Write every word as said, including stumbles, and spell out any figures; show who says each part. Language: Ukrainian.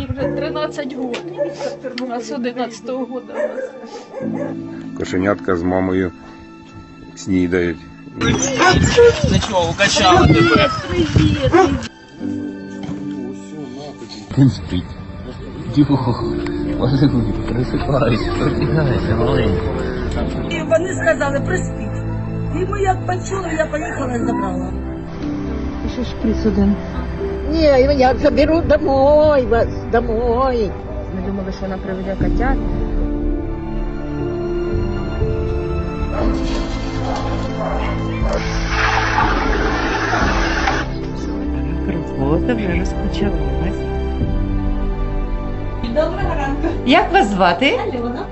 Speaker 1: Вже тринадцять років. У нас одинадцятого року.
Speaker 2: Кошенятка з мамою снідають.
Speaker 3: Нічого, укачала тебе.
Speaker 1: Привіт!
Speaker 3: Він спить. Дюх, малюй, просипайся, прокидайся, маленький.
Speaker 4: І вони сказали, приспіть. І ми як почули, я поїхала і забрала.
Speaker 1: Ще шприц один.
Speaker 4: Ні, я заберу домой вас, домой.
Speaker 1: Ми думали, що вона приведе котят.
Speaker 5: Робота вже розпочалась.
Speaker 4: Доброго ранку.
Speaker 5: Як вас звати?
Speaker 4: Альона.